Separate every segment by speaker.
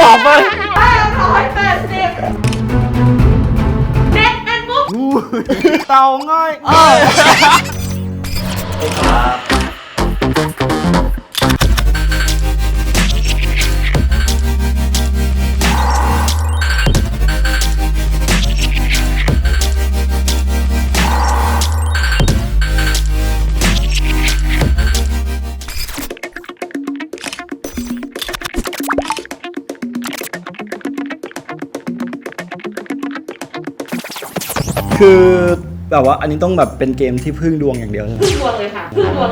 Speaker 1: อบไป
Speaker 2: 580เน็ตเป็นปุ๊บ
Speaker 1: เต่าง่อยคือแบบว่าอันนี้ต้องแบบเป็นเกมที่พึ่งดวงอย่างเดียวใช่ไหม
Speaker 2: พึ่งดวงเลยค่ะ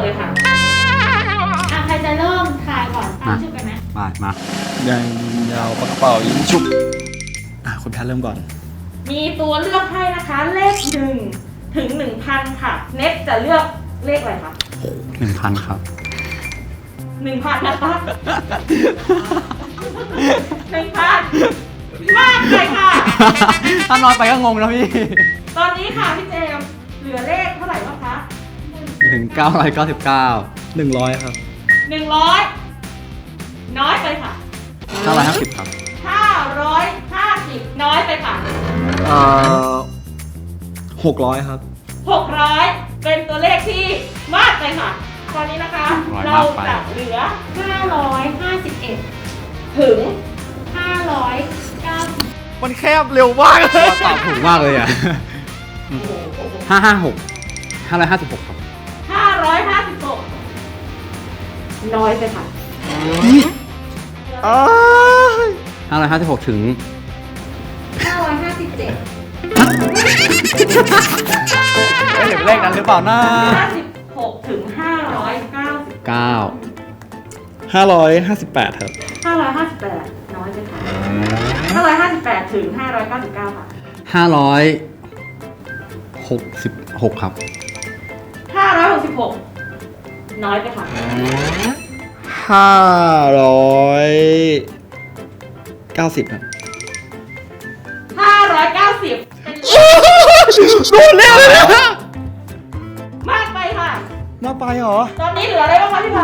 Speaker 3: ใครจะเริ่มทายก่อนตามชื่อกันไหม
Speaker 4: มา
Speaker 1: ยังยาวปากกระเป๋ายิงชุบคุณแพทเริ่มก่อน
Speaker 2: มีตัวเลือกให้นะคะเลข1 ถึง 1,000 ค่ะเน็ตจะเลือกเลขอะไรคะ
Speaker 4: 1,000 ครับ
Speaker 2: 1,000 นะคะ1,000 มากเลยค่ะ
Speaker 4: ถ้าน้อยไปก็งงนะพี่
Speaker 2: ตอนนี้ค่ะพี่เจมส์เหลือเลขเท่าไหร่บ้างคะ
Speaker 4: ถึง 999
Speaker 1: 100 ครับ
Speaker 2: 100 น้อยไปค่ะ
Speaker 4: 950 ครับ
Speaker 2: 550 น้อยไปค่ะ
Speaker 1: 600 ครับ
Speaker 2: 600 เป็นตัวเลขที่มากไปค่ะ ตอนนี้นะคะ
Speaker 4: 600
Speaker 2: เรา
Speaker 4: มากไป
Speaker 2: จะเหลือ
Speaker 3: 551
Speaker 2: ถึง
Speaker 3: 590
Speaker 1: มันแคบเร็วมากเลย
Speaker 4: ตอบถูกมากเลยอ่ะ 556 556 ครับ
Speaker 2: 556 น้อยไปค่ะ
Speaker 4: 556 ถึง
Speaker 3: 557
Speaker 4: ไม่ถึงเลขนั้นหรือเปล่านะ
Speaker 2: 56 ถึง 590
Speaker 4: 9
Speaker 1: 558 ครับ
Speaker 2: 558 น้อยไปค่ะ 558 ถึง 599 ค่ะ
Speaker 4: 566 ครับ
Speaker 2: 566 น้อยไปค่ะ
Speaker 1: 590 ครับ
Speaker 2: 590 เป็น
Speaker 1: โดนเร็วเลยนะ
Speaker 2: มากไปค่ะ
Speaker 1: น่าไปเหรอ
Speaker 2: ตอนนี้เหลืออะไรบ้างคะพี่ไผ่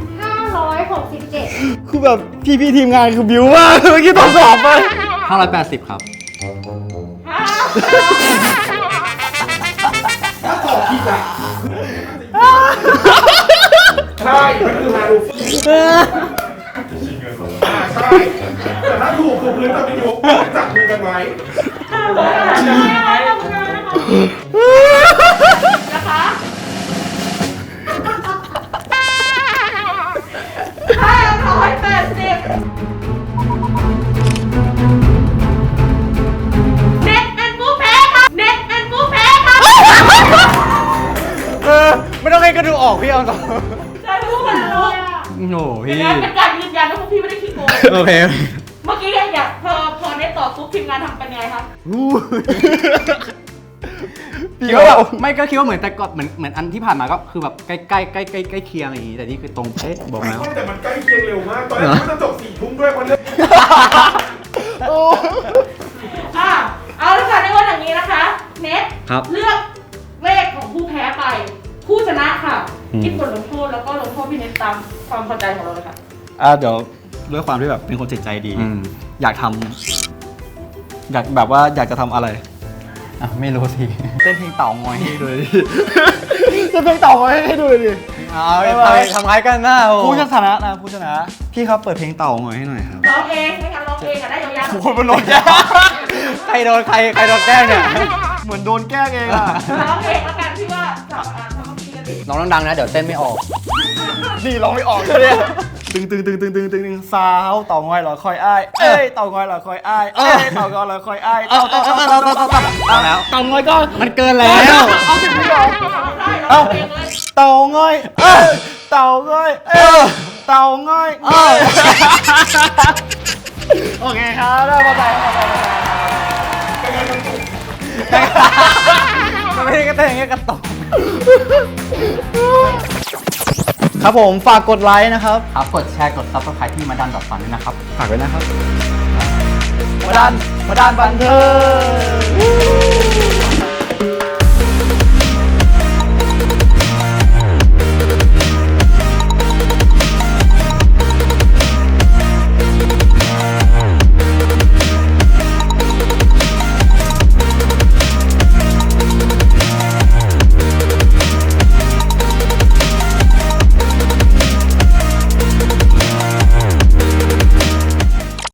Speaker 3: 567
Speaker 1: คือแบบพี่ทีมงานคือบิวมากเมื่อกี้ตอนสอบไป
Speaker 4: 580 ครับ
Speaker 5: ใช่ มันคือฮารูฟี่ใช่ แต่ถ้าถูกพื้นจะไม่ถูกจับมือกันไว้
Speaker 2: นะคะ580 เน็ตเป็นผู้แพ้ค่ะเน็ตเป็นผู้แพ้ค่ะ
Speaker 4: ไม่ต้องให้กระดูออกพี่เอาต่อ
Speaker 2: ใช่ผู้แพ้รู้
Speaker 4: โอ้โห
Speaker 2: เป็
Speaker 4: พี่
Speaker 2: นการยืนยันว่าพวกพี่ไม่ได้ขี้โกง
Speaker 4: โอเค
Speaker 2: เมื่อกี้อยากพอเน็ตตอบปุ๊บทีมงานทำเป็นไงคะ
Speaker 4: คิดว่าแบบไม่ก็คิดว่าเหมือนแต่ก่อนเหมือนอันที่ผ่านมาก็คือแบบใกล้เคียงอย่างนี้แต่นี่คือตรงเป๊ะบอกแล้ว
Speaker 5: แต่มันใกล้เคียงเร็วมาก ตอนแรกมันจะจบ4 ทุ่มด้วยวันนี้
Speaker 2: เอาละค่ะในวันอย่างนี้นะคะ เน็ต
Speaker 4: ครับ
Speaker 2: เลือกเลขของผู้แพ้ไป ผู้ชนะค่ะคิดบทลงโทษแล้วก็ลงโทษพี่เน็ตตามความพอใจของเราเลยค่ะ
Speaker 1: เดี๋ยวด้วยความที่แบบเป็นคนจิตใจดี
Speaker 4: อืม
Speaker 1: อยากทำอยากแบบว่าอยากจะทำอะไร
Speaker 4: ไม่รู้สิ
Speaker 1: เต้นเพลงเต่างอยให้ดูเลยดิเต้นเพลงเต่างอยให้ดูเลยดิ
Speaker 4: เอาไปทำร้ายกันหน้าโอ้
Speaker 1: ผู้ชนะนะผู้ชนะ พี่ครับเปิดเพลงเต่างอยให้หน่อยครับ
Speaker 2: ร้องเองไม่งั้นร้องเองอะได้ยาวๆ
Speaker 1: คนมันโดนแกล้ง
Speaker 4: ใครโดนแกล้งเนี่ย
Speaker 1: เหมือนโดนแกล้งเองอ่ะ
Speaker 2: ร้องเองแล้วกันพี่ว่าจับทำพี่กันดิ
Speaker 4: น้องดังๆนะเดี๋ยวเต้นไม่ออก
Speaker 1: นี่ร้องไม่ออกเลยเนี่ยตึงสาวเต่างอยเหรอคอยอ้ายเอ้ยเต่างอยเหรอคอยอ้ายเอ้ยเต่างอยเหรอคอยอ้ายเต่า
Speaker 4: เอาแล้ว
Speaker 1: เต่างอยก็
Speaker 4: มันเกินแล้ว
Speaker 1: เอาสิพี่ร้อง
Speaker 2: ได้ร้องเองเลย
Speaker 1: เต่างอยเต่างอยเต่างอยโอเคครับได้พอใจ
Speaker 4: มันไม่ได้กระเต้นอย่างเงี้ยกระตก
Speaker 1: ครับผมฝากกดไลค์นะครับ
Speaker 4: ครับกดแชร์กด subscribe ที่มาดันดอทฟันด้วยนะครับ
Speaker 1: ฝากไว้นะครับมาดันบันเทิง